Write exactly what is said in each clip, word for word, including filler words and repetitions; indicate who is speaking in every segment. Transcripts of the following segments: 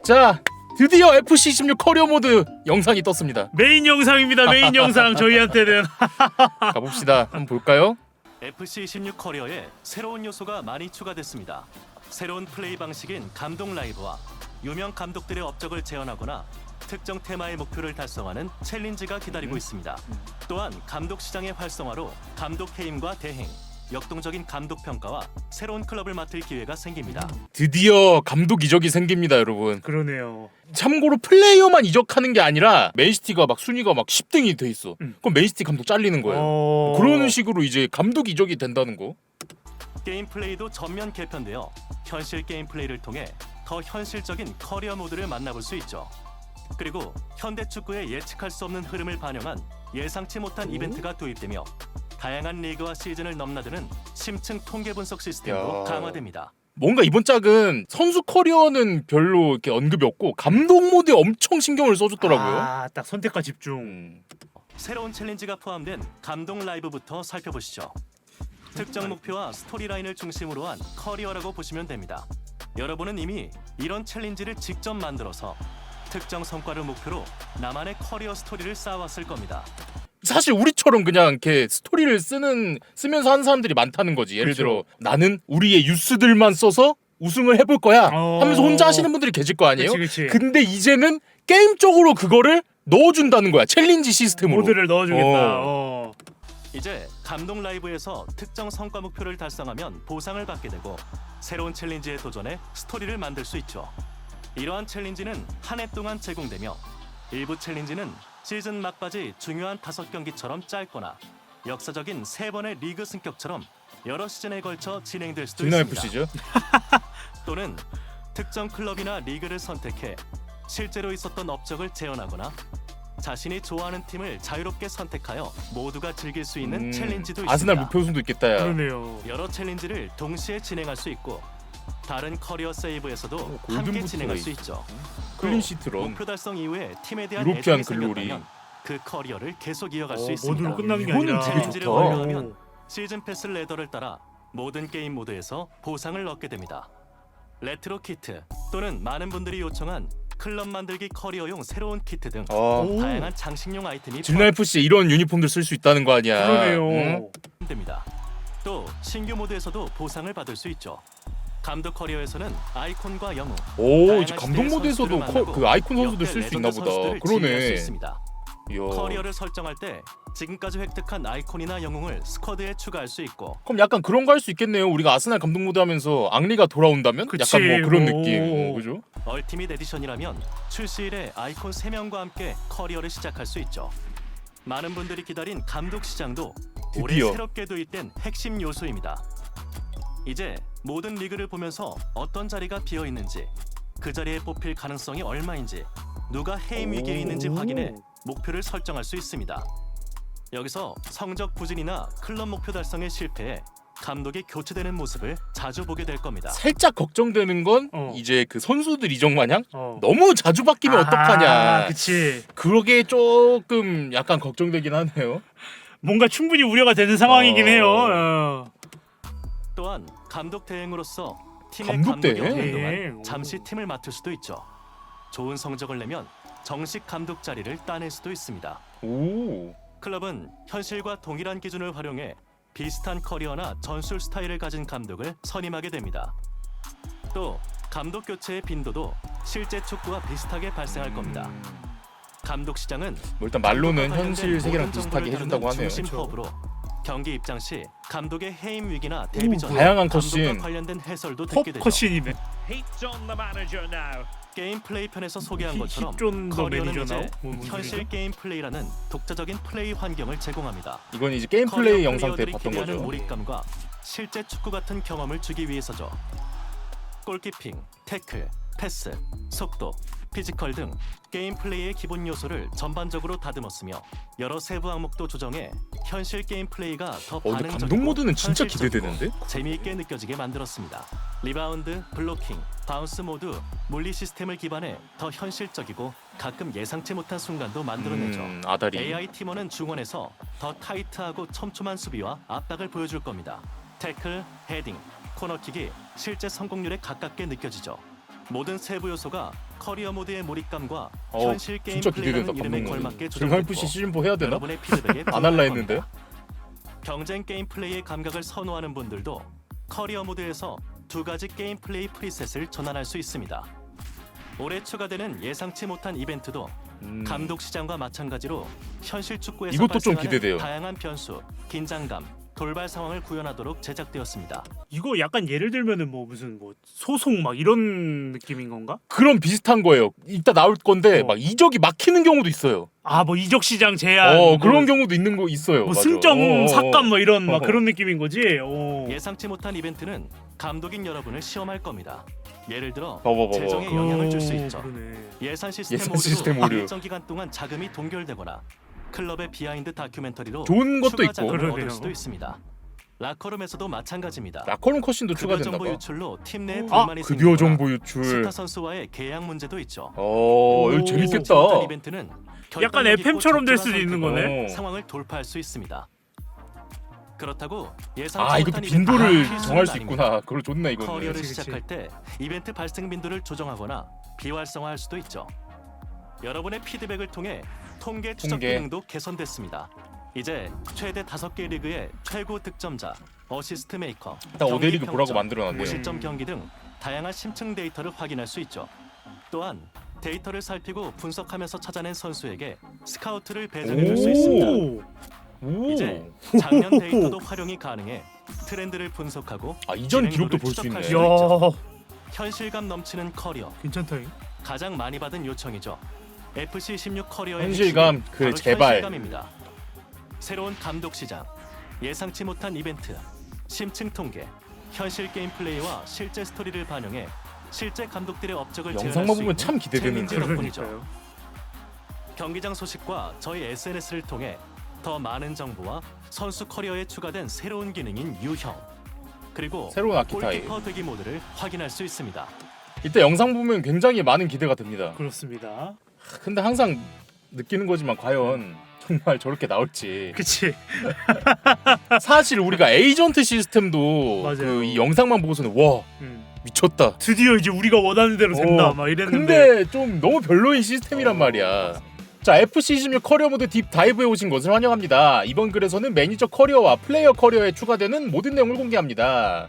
Speaker 1: 자, 드디어 에프씨 십육 커리어 모드 영상이 떴습니다.
Speaker 2: 메인 영상입니다. 메인 영상 저희한테는.
Speaker 1: 가봅시다. 한번 볼까요?
Speaker 3: 에프씨 십육 커리어에 새로운 요소가 많이 추가됐습니다. 새로운 플레이 방식인 감독 라이브와 유명 감독들의 업적을 재현하거나 특정 테마의 목표를 달성하는 챌린지가 기다리고
Speaker 1: 음.
Speaker 3: 있습니다. 또한 감독 시장의 활성화로 감독 해임과 대행, 역동적인 감독 평가와 새로운 클럽을 맡을 기회가 생깁니다.
Speaker 1: 드디어 감독 이적이 생깁니다, 여러분.
Speaker 2: 그러네요.
Speaker 1: 참고로 플레이어만 이적하는 게 아니라 맨시티가 막 순위가 막 십 등이 돼 있어.
Speaker 2: 음.
Speaker 1: 그럼 맨시티 감독 잘리는 거예요.
Speaker 2: 어...
Speaker 1: 그러는 식으로 이제 감독 이적이 된다는 거.
Speaker 3: 게임 플레이도 전면 개편되어 현실 게임 플레이를 통해 더 현실적인 커리어 모드를 만나볼 수 있죠. 그리고 현대 축구의 예측할 수 없는 흐름을 반영한 예상치 못한 이벤트가 도입되며 다양한 리그와 시즌을 넘나드는 심층 통계 분석 시스템도
Speaker 1: 야.
Speaker 3: 강화됩니다.
Speaker 1: 뭔가 이번 짝은 선수 커리어는 별로 이렇게 언급이 없고 감독 모드에 엄청 신경을 써줬더라고요.
Speaker 2: 아, 딱 선택과 집중.
Speaker 1: 음.
Speaker 3: 새로운 챌린지가 포함된 감독 라이브부터 살펴보시죠. 특정 목표와 스토리라인을 중심으로 한 커리어라고 보시면 됩니다. 여러분은 이미 이런 챌린지를 직접 만들어서 특정 성과를 목표로 나만의 커리어 스토리를 쌓아왔을 겁니다.
Speaker 1: 사실 우리처럼 그냥 이렇게 스토리를 쓰는 쓰면서 하는 사람들이 많다는 거지. 예를
Speaker 2: 그쵸.
Speaker 1: 들어 나는 우리의 유스들만 써서 우승을 해볼 거야
Speaker 2: 어...
Speaker 1: 하면서 혼자 하시는 분들이 계실 거 아니에요?
Speaker 2: 그치, 그치.
Speaker 1: 근데 이제는 게임적으로 그거를 넣어준다는 거야. 챌린지 시스템으로.
Speaker 2: 모드를 넣어주겠다.
Speaker 1: 어.
Speaker 2: 어.
Speaker 3: 이제 감독 라이브에서 특정 성과 목표를 달성하면 보상을 받게 되고 새로운 챌린지에 도전해 스토리를 만들 수 있죠. 이러한 챌린지는 한 해 동안 제공되며 일부 챌린지는 시즌 막바지 중요한 다섯 경기처럼 짧거나 역사적인 세 번의 리그 승격처럼 여러 시즌에 걸쳐 진행될 수도
Speaker 1: 진나
Speaker 3: 있습니다.
Speaker 1: 에프씨죠?
Speaker 3: 또는 특정 클럽이나 리그를 선택해 실제로 있었던 업적을 재현하거나 자신이 좋아하는 팀을 자유롭게 선택하여 모두가 즐길 수 있는
Speaker 1: 음,
Speaker 3: 챌린지도 있습니다.
Speaker 1: 아스날 무표 우승도 있겠다. 야.
Speaker 2: 그러네요.
Speaker 3: 여러 챌린지를 동시에 진행할 수 있고 다른 커리어 세이브에서도
Speaker 1: 어,
Speaker 3: 함께
Speaker 1: 골든부트가
Speaker 3: 진행할 수
Speaker 1: 있-
Speaker 3: 있죠.
Speaker 1: 클린시트 런.
Speaker 3: 목표 달성 이후에 팀에 대한
Speaker 1: 유로피안
Speaker 3: 애정이
Speaker 1: 글로리.
Speaker 3: 생겼다면 그 커리어를 계속 이어갈
Speaker 2: 어,
Speaker 3: 수 있습니다.
Speaker 2: 모드로 끝나는 게
Speaker 1: 이거는
Speaker 2: 아니라
Speaker 1: 되게
Speaker 3: 챌린지를
Speaker 1: 좋다.
Speaker 3: 완료하면 시즌 패스 레더를 따라 모든 게임 모드에서 보상을 얻게 됩니다. 레트로 키트 또는 많은 분들이 요청한 클럽 만들기 커리어용 새로운 키트 등
Speaker 1: 아,
Speaker 2: 오.
Speaker 3: 다양한 장식용 아이템이
Speaker 1: 진나 에프씨에 이런 유니폼들 쓸 수 있다는 거 아니야.
Speaker 2: 그러네요.
Speaker 1: 응?
Speaker 3: 포함됩니다. 또 신규 모드에서도 보상을 받을 수 있죠. 감독 커리어에서는 아이콘과 영웅,
Speaker 1: 오,
Speaker 3: 다양한
Speaker 1: 이제 감독
Speaker 3: 시대의
Speaker 1: 모드에서도
Speaker 3: 선수들을
Speaker 1: 커,
Speaker 3: 만나고
Speaker 1: 그 아이콘 선수들
Speaker 3: 역대
Speaker 1: 쓸 수 있나
Speaker 3: 레전드
Speaker 1: 보다.
Speaker 3: 선수들을 지휘할 수
Speaker 1: 그러네.
Speaker 3: 있습니다.
Speaker 1: 이야.
Speaker 3: 커리어를 설정할 때 지금까지 획득한 아이콘이나 영웅을 스쿼드에 추가할 수 있고
Speaker 1: 그럼 약간 그런 거 할 수 있겠네요. 우리가 아스날 감독 모드 하면서 앙리가 돌아온다면
Speaker 2: 그치,
Speaker 1: 약간 뭐 그런
Speaker 2: 뭐.
Speaker 1: 느낌. 어, 그죠?
Speaker 3: 얼티밋 에디션이라면 출시일에 아이콘 세 명과 함께 커리어를 시작할 수 있죠. 많은 분들이 기다린 감독 시장도 올해
Speaker 1: 드디어.
Speaker 3: 새롭게 도입된 핵심 요소입니다. 이제 모든 리그를 보면서 어떤 자리가 비어 있는지, 그 자리에 뽑힐 가능성이 얼마인지, 누가 해임 위기에 있는지
Speaker 2: 오.
Speaker 3: 확인해 목표를 설정할 수 있습니다. 여기서 성적 부진이나 클럽 목표 달성에 실패해 감독이 교체되는 모습을 자주 보게 될 겁니다.
Speaker 1: 살짝 걱정되는 건
Speaker 2: 어.
Speaker 1: 이제 그 선수들 이적 마냥
Speaker 2: 어.
Speaker 1: 너무 자주 바뀌면
Speaker 2: 아,
Speaker 1: 어떡하냐.
Speaker 2: 그치.
Speaker 1: 그러게 조금 약간 걱정되긴 하네요.
Speaker 2: 뭔가 충분히 우려가 되는 상황이긴
Speaker 1: 어.
Speaker 2: 해요. 어.
Speaker 3: 또한 감독 대행으로서 팀의
Speaker 1: 감독
Speaker 3: 감독이
Speaker 1: 대행?
Speaker 3: 없는
Speaker 2: 네.
Speaker 3: 동안 잠시 팀을 맡을 수도 있죠. 좋은 성적을 내면 정식 감독 자리를 따낼 수도 있습니다.
Speaker 1: 오.
Speaker 3: 클럽은 현실과 동일한 기준을 활용해 비슷한 커리어나 전술 스타일을 가진 감독을 선임하게 됩니다. 또 감독 교체의 빈도도 실제 축구와 비슷하게 발생할 겁니다. 감독 시장은
Speaker 1: 뭐 일단 말로는
Speaker 3: 감독과
Speaker 1: 현실
Speaker 3: 관련된
Speaker 1: 세계랑
Speaker 3: 모든
Speaker 1: 비슷하게
Speaker 3: 정보를
Speaker 1: 해준다고
Speaker 3: 다루는
Speaker 1: 하네요.
Speaker 3: 중심
Speaker 2: 그쵸.
Speaker 3: 허브로 경기 입장 시 감독의 해임 위기나 데뷔 전
Speaker 1: 다양한
Speaker 3: 감독과
Speaker 1: 컷신.
Speaker 3: 관련된 해설도 듣게 되죠.
Speaker 2: 컵컷신이네.
Speaker 4: Heat's on the manager now.
Speaker 3: 게임 플레이 편에서 소개한 것처럼
Speaker 2: 힙존 더
Speaker 3: 커리어는
Speaker 2: 매니저
Speaker 3: 이제
Speaker 2: 나오? 뭐, 뭔
Speaker 3: 현실
Speaker 2: 소리죠?
Speaker 3: 게임 플레이라는 독자적인 플레이 환경을 제공합니다.
Speaker 1: 이건 이제 게임
Speaker 3: 커리어
Speaker 1: 플레이 영상 때
Speaker 3: 플레이어들이
Speaker 1: 봤던
Speaker 3: 기대하는
Speaker 1: 거죠.
Speaker 3: 몰입감과 실제 축구 같은 경험을 주기 위해서죠. 골키핑, 태클, 패스, 속도, 피지컬 등 게임 플레이의 기본 요소를 전반적으로 다듬었으며 여러 세부 항목도 조정해 현실 게임 플레이가 더
Speaker 1: 어, 근데
Speaker 3: 반응적이고
Speaker 1: 감독 모드는 진짜
Speaker 3: 현실적이고
Speaker 1: 기대되는데?
Speaker 3: 재미있게 느껴지게 만들었습니다. 리바운드, 블로킹, 바운스 모두 물리 시스템을 기반해 더 현실적이고 가끔 예상치 못한 순간도 만들어내죠.
Speaker 1: 음, 아다리.
Speaker 3: 에이아이 팀원은 중원에서 더 타이트하고 촘촘한 수비와 압박을 보여줄 겁니다. 태클, 헤딩, 코너킥이 실제 성공률에 가깝게 느껴지죠. 모든 세부 요소가 커리어 모드의 몰입감과
Speaker 1: 어,
Speaker 3: 현실 게임
Speaker 1: 진짜 기대된다.
Speaker 3: 플레이라는 이름에
Speaker 1: 감독님.
Speaker 3: 걸맞게
Speaker 1: 질감 에프씨
Speaker 3: 조정됐고
Speaker 1: 시즌 사 해야 되나?
Speaker 3: 여러분의 피드백에
Speaker 1: 안 할라
Speaker 3: 부응할
Speaker 1: 했는데.
Speaker 3: 겁니다. 경쟁 게임 플레이의 감각을 선호하는 분들도 커리어 모드에서 두 가지 게임 플레이 프리셋을 전환할 수 있습니다. 올해 추가되는 예상치 못한 이벤트도
Speaker 1: 음.
Speaker 3: 감독 시장과 마찬가지로 현실 축구에서
Speaker 1: 이것도 좀
Speaker 3: 발생하는
Speaker 1: 기대돼요.
Speaker 3: 다양한 변수, 긴장감, 돌발 상황을 구현하도록 제작되었습니다.
Speaker 2: 이거 약간 예를 들면은 뭐 무슨 뭐 소송 막 이런 느낌인 건가?
Speaker 1: 그런 비슷한 거예요. 이따 나올 건데
Speaker 2: 어.
Speaker 1: 막 이적이 막히는 경우도 있어요.
Speaker 2: 아 뭐 이적 시장 제한.
Speaker 1: 어
Speaker 2: 뭐,
Speaker 1: 그런 경우도 있는 거 있어요.
Speaker 2: 뭐
Speaker 1: 맞아.
Speaker 2: 승정
Speaker 1: 어, 어, 어.
Speaker 2: 삭감 뭐 이런 막
Speaker 1: 어.
Speaker 2: 그런 느낌인 거지. 오.
Speaker 3: 예상치 못한 이벤트는 감독인 여러분을 시험할 겁니다. 예를 들어
Speaker 1: 봐봐, 봐봐.
Speaker 3: 재정에 영향을 줄 수 있죠.
Speaker 2: 그러네.
Speaker 3: 예산 시스템
Speaker 1: 예산
Speaker 3: 오류로
Speaker 1: 시스템 오류.
Speaker 3: 일정 기간 동안 자금이 동결되거나 클럽의 비하인드 다큐멘터리로
Speaker 1: 좋은 것도
Speaker 3: 추가
Speaker 1: 있고.
Speaker 3: 자금을
Speaker 2: 그러네요.
Speaker 3: 얻을 수도 있습니다. 라커룸에서도 마찬가지입니다.
Speaker 1: 라커룸 컷신도
Speaker 3: 급여
Speaker 1: 추가된다
Speaker 3: 정보
Speaker 1: 봐.
Speaker 3: 유출로 팀 내에
Speaker 2: 아,
Speaker 3: 불만이
Speaker 1: 급여
Speaker 3: 생기거나
Speaker 1: 정보 유출.
Speaker 3: 스타 선수와의 계약 문제도 있죠.
Speaker 1: 어, 이거
Speaker 2: 오,
Speaker 1: 재밌겠다.
Speaker 3: 못한 이벤트는
Speaker 2: 약간
Speaker 3: 결단력
Speaker 2: 에프엠처럼
Speaker 3: 있고
Speaker 2: 될 수도
Speaker 3: 적절한
Speaker 2: 있는
Speaker 3: 선택으로
Speaker 2: 거네.
Speaker 1: 어.
Speaker 3: 상황을 돌파할 수 있습니다. 그렇다고 예상치
Speaker 1: 아, 이것도
Speaker 3: 못한
Speaker 1: 빈도를
Speaker 3: 이벤트가
Speaker 1: 정할 수
Speaker 3: 필수는
Speaker 1: 있구나. 그걸 좋네 이거는.
Speaker 3: 커리어를
Speaker 2: 그치, 그치.
Speaker 3: 시작할 때 이벤트 발생 빈도를 조정하거나 비활성화할 수도 있죠. 여러분의 피드백을 통해 통계 추적
Speaker 1: 통계.
Speaker 3: 기능도 개선됐습니다. 이제 최대 다섯 개 리그의 최고 득점자, 어시스트 메이커,
Speaker 1: 딱
Speaker 3: 경기
Speaker 1: 오대 리그 보라고
Speaker 3: 평점,
Speaker 1: 만들어놨네요.
Speaker 3: 무실점 경기 등 다양한 심층 데이터를 확인할 수 있죠. 또한 데이터를 살피고 분석하면서 찾아낸 선수에게 스카우트를 배정해 줄 수
Speaker 1: 오.
Speaker 3: 있습니다.
Speaker 2: 오.
Speaker 1: 오.
Speaker 3: 이제 작년 데이터도 활용이 가능해 트렌드를 분석하고
Speaker 1: 아 이전 기록도
Speaker 3: 진행도를
Speaker 1: 볼 수 있네.
Speaker 3: 추적할 수
Speaker 2: 야
Speaker 3: 현실감 넘치는 커리어,
Speaker 2: 괜찮다잉.
Speaker 3: 가장 많이 받은 요청이죠. 에프씨 십육 커리어의
Speaker 1: 현실감,
Speaker 3: 핵심은
Speaker 1: 그
Speaker 3: 바로
Speaker 1: 제발.
Speaker 3: 현실감입니다. 새로운 감독 시장, 예상치 못한 이벤트, 심층 통계, 현실 게임 플레이와 실제 스토리를 반영해 실제 감독들의 업적을 재현할
Speaker 1: 영상만
Speaker 3: 수
Speaker 1: 보면
Speaker 3: 있는
Speaker 1: 참 기대되는데.
Speaker 3: 챌린지 덕분이죠.
Speaker 2: 그러니까요.
Speaker 3: 경기장 소식과 저희 에스엔에스를 통해 더 많은 정보와 선수 커리어에 추가된 새로운 기능인 유형, 그리고
Speaker 1: 새로운 아키타입.
Speaker 3: 골키퍼 되기 모드를 확인할 수 있습니다.
Speaker 1: 이때 영상 보면 굉장히 많은 기대가 됩니다.
Speaker 2: 그렇습니다.
Speaker 1: 근데 항상 느끼는 거지만 과연 정말 저렇게 나올지.
Speaker 2: 그치.
Speaker 1: 사실 우리가 에이전트 시스템도
Speaker 2: 맞아요.
Speaker 1: 그 이 영상만 보고서는 와
Speaker 2: 음.
Speaker 1: 미쳤다.
Speaker 2: 드디어 이제 우리가 원하는 대로 된다.
Speaker 1: 어,
Speaker 2: 막 이랬는데.
Speaker 1: 근데 좀 너무 별로인 시스템이란
Speaker 2: 어,
Speaker 1: 말이야. 자, 에프씨 십육 커리어 모드 딥 다이브에 오신 것을 환영합니다. 이번 글에서는 매니저 커리어와 플레이어 커리어에 추가되는 모든 내용을 공개합니다.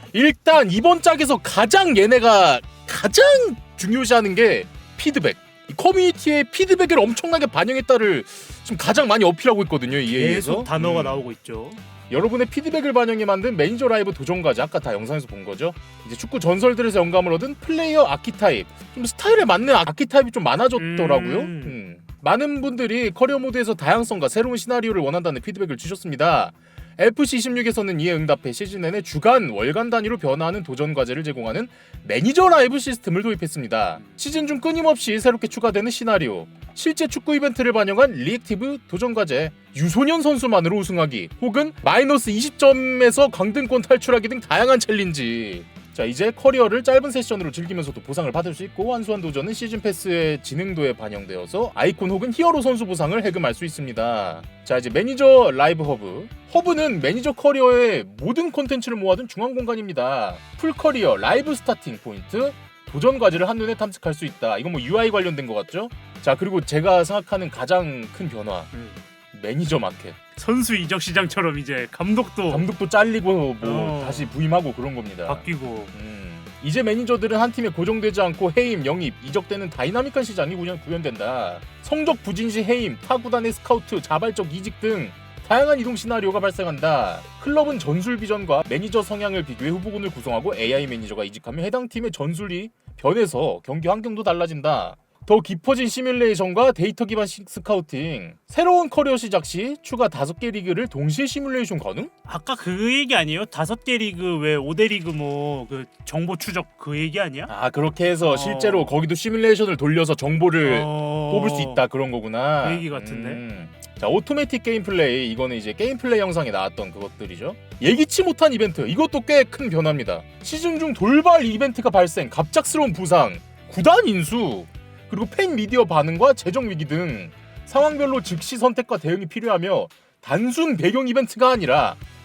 Speaker 1: 일단 이번 짝에서 가장 얘네가 가장 중요시하는 게 피드백. 이 커뮤니티의 피드백을 엄청나게 반영했다를 지금 가장 많이 어필하고 있거든요. 이 A에서.
Speaker 2: 계속 단어가
Speaker 1: 음.
Speaker 2: 나오고 있죠.
Speaker 1: 여러분의 피드백을 반영해 만든 매니저 라이브 도전과제, 아까 다 영상에서 본 거죠. 이제 축구 전설들에서 영감을 얻은 플레이어 아키타입, 좀 스타일에 맞는 아키타입이 좀 많아졌더라고요.
Speaker 2: 음.
Speaker 1: 음. 많은 분들이 커리어 모드에서 다양성과 새로운 시나리오를 원한다는 피드백을 주셨습니다. 에프씨 십육에서는 이에 응답해 시즌 내내 주간, 월간 단위로 변화하는 도전 과제를 제공하는 매니저 라이브 시스템을 도입했습니다. 시즌 중 끊임없이 새롭게 추가되는 시나리오, 실제 축구 이벤트를 반영한 리액티브 도전 과제, 유소년 선수만으로 우승하기, 혹은 마이너스 이십 점에서 강등권 탈출하기 등 다양한 챌린지. 자, 이제 커리어를 짧은 세션으로 즐기면서도 보상을 받을 수 있고, 완수한 도전은 시즌 패스의 진행도에 반영되어서 아이콘 혹은 히어로 선수 보상을 해금할 수 있습니다. 자, 이제 매니저 라이브 허브. 허브는 매니저 커리어의 모든 콘텐츠를 모아둔 중앙 공간입니다. 풀 커리어, 라이브 스타팅 포인트, 도전 과제를 한눈에 탐색할 수 있다. 이건 뭐 유아이 관련된 것 같죠? 자, 그리고 제가 생각하는 가장 큰 변화,
Speaker 2: 음.
Speaker 1: 매니저 마켓.
Speaker 2: 선수 이적 시장처럼 이제 감독도
Speaker 1: 감독도 잘리고 뭐
Speaker 2: 어.
Speaker 1: 다시 부임하고 그런 겁니다.
Speaker 2: 바뀌고.
Speaker 1: 음. 이제 매니저들은 한 팀에 고정되지 않고 해임, 영입, 이적되는 다이나믹한 시장이 구현, 구현된다. 성적 부진 시 해임, 타 구단의 스카우트, 자발적 이직 등 다양한 이동 시나리오가 발생한다. 클럽은 전술 비전과 매니저 성향을 비교해 후보군을 구성하고 에이아이 매니저가 이직하면 해당 팀의 전술이 변해서 경기 환경도 달라진다. 더 깊어진 시뮬레이션과 데이터 기반 시- 스카우팅, 새로운 커리어 시작 시 추가 다섯 개 리그를 동시에 시뮬레이션 가능?
Speaker 2: 아까 그 얘기 아니에요? 다섯 개 리그 왜 오 대 리그 뭐 그 정보 추적 그 얘기 아니야?
Speaker 1: 아, 그렇게 해서
Speaker 2: 어.
Speaker 1: 실제로 거기도 시뮬레이션을 돌려서 정보를
Speaker 2: 어...
Speaker 1: 뽑을 수 있다, 그런 거구나.
Speaker 2: 그 얘기 같은데?
Speaker 1: 음. 자, 오토매틱 게임 플레이, 이거는 이제 게임 플레이 영상에 나왔던 그것들이죠. 예기치 못한 이벤트, 이것도 꽤 큰 변화입니다. 시즌 중 돌발 이벤트가 발생, 갑작스러운 부상, 구단 인수, 그리고 팬 미디어 반응과 재정 위기 등 상황별로 즉시 선택과 대응이 필요하며 단순 배경 이벤트가 아니라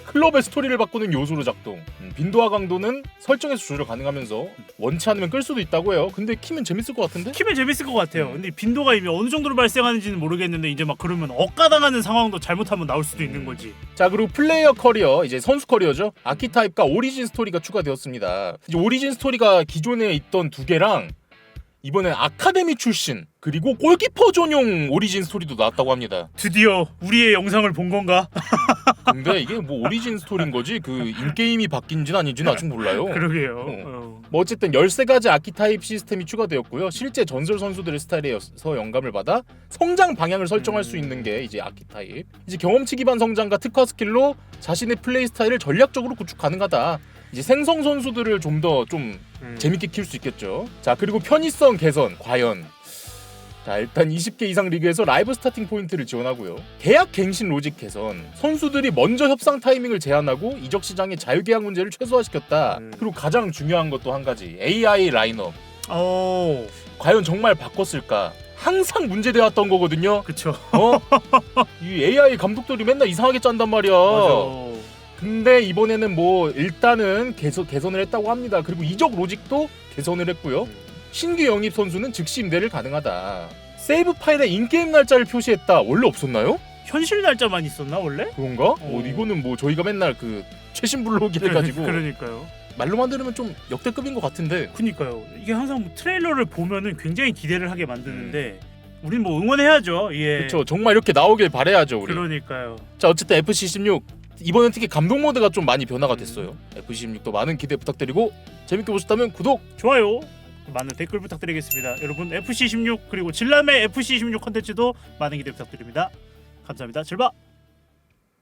Speaker 1: 클럽의 스토리를 바꾸는 요소로 작동. 음, 빈도와 강도는 설정에서 조절 가능하면서 원치 않으면 끌 수도 있다고 해요. 근데 키면 재밌을 것 같은데?
Speaker 2: 키면 재밌을 것 같아요. 근데 빈도가 이미 어느 정도로 발생하는지는 모르겠는데 이제 막 그러면 억가당하는 상황도 잘못하면 나올 수도 있는 거지.
Speaker 1: 자, 그리고 플레이어 커리어, 이제 선수 커리어죠. 아키타입과 오리진 스토리가 추가되었습니다. 이제 오리진 스토리가 기존에 있던 두 개랑 이번엔 아카데미 출신 그리고 골키퍼 전용 오리진 스토리도 나왔다고 합니다.
Speaker 2: 드디어 우리의 영상을 본 건가?
Speaker 1: 근데 이게 뭐 오리진 스토리인 거지 그 인게임이 바뀐지는 아닌지는 아직 몰라요.
Speaker 2: 그러게요.
Speaker 1: 어.
Speaker 2: 어.
Speaker 1: 뭐 어쨌든 열세 가지 아키타입 시스템이 추가되었고요. 실제 전설 선수들의 스타일에서 영감을 받아 성장 방향을 설정할 수 있는 게 이제 아키타입. 이제 경험치 기반 성장과 특화 스킬로 자신의 플레이 스타일을 전략적으로 구축 가능하다. 이제 생성 선수들을 좀 더 좀
Speaker 2: 음.
Speaker 1: 재밌게 키울 수 있겠죠. 자, 그리고 편의성 개선 과연. 자, 일단 이십 개 이상 리그에서 라이브 스타팅 포인트를 지원하고요. 계약 갱신 로직 개선. 선수들이 먼저 협상 타이밍을 제한하고 이적 시장의 자유 계약 문제를 최소화시켰다.
Speaker 2: 음.
Speaker 1: 그리고 가장 중요한 것도 한 가지. 에이아이 라인업.
Speaker 2: 어.
Speaker 1: 과연 정말 바꿨을까? 항상 문제되었던 거거든요.
Speaker 2: 그쵸.
Speaker 1: 어? 이 에이아이 감독들이 맨날 이상하게 짠단 말이야.
Speaker 2: 맞아.
Speaker 1: 근데 이번에는 뭐 일단은 개선, 개선을 했다고 합니다. 그리고 이적 로직도 개선을 했고요. 신규 영입 선수는 즉시 임대를 가능하다. 세이브 파일에 인게임 날짜를 표시했다. 원래 없었나요?
Speaker 2: 현실 날짜만 있었나 원래?
Speaker 1: 그런가?
Speaker 2: 어.
Speaker 1: 어, 이거는 뭐 저희가 맨날 그 최신 블로기를 가지고
Speaker 2: 그러니까요.
Speaker 1: 말로만 들으면 좀 역대급인 것 같은데.
Speaker 2: 그니까요. 이게 항상 뭐 트레일러를 보면은 굉장히 기대를 하게 만드는데 우린 뭐 응원해야죠. 예.
Speaker 1: 그렇죠. 정말 이렇게 나오길 바라야죠, 우리.
Speaker 2: 그러니까요.
Speaker 1: 자, 어쨌든 에프씨 십육 이번엔 특히 감독 모드가 좀 많이 변화가 됐어요. 에프씨 십육도 많은 기대 부탁드리고 재밌게 보셨다면 구독.
Speaker 2: 좋아요. 많은 댓글 부탁드리겠습니다. 여러분 에프씨 십육 그리고 진람의 에프씨 십육 컨텐츠도 많은 기대 부탁드립니다. 감사합니다. 즐바.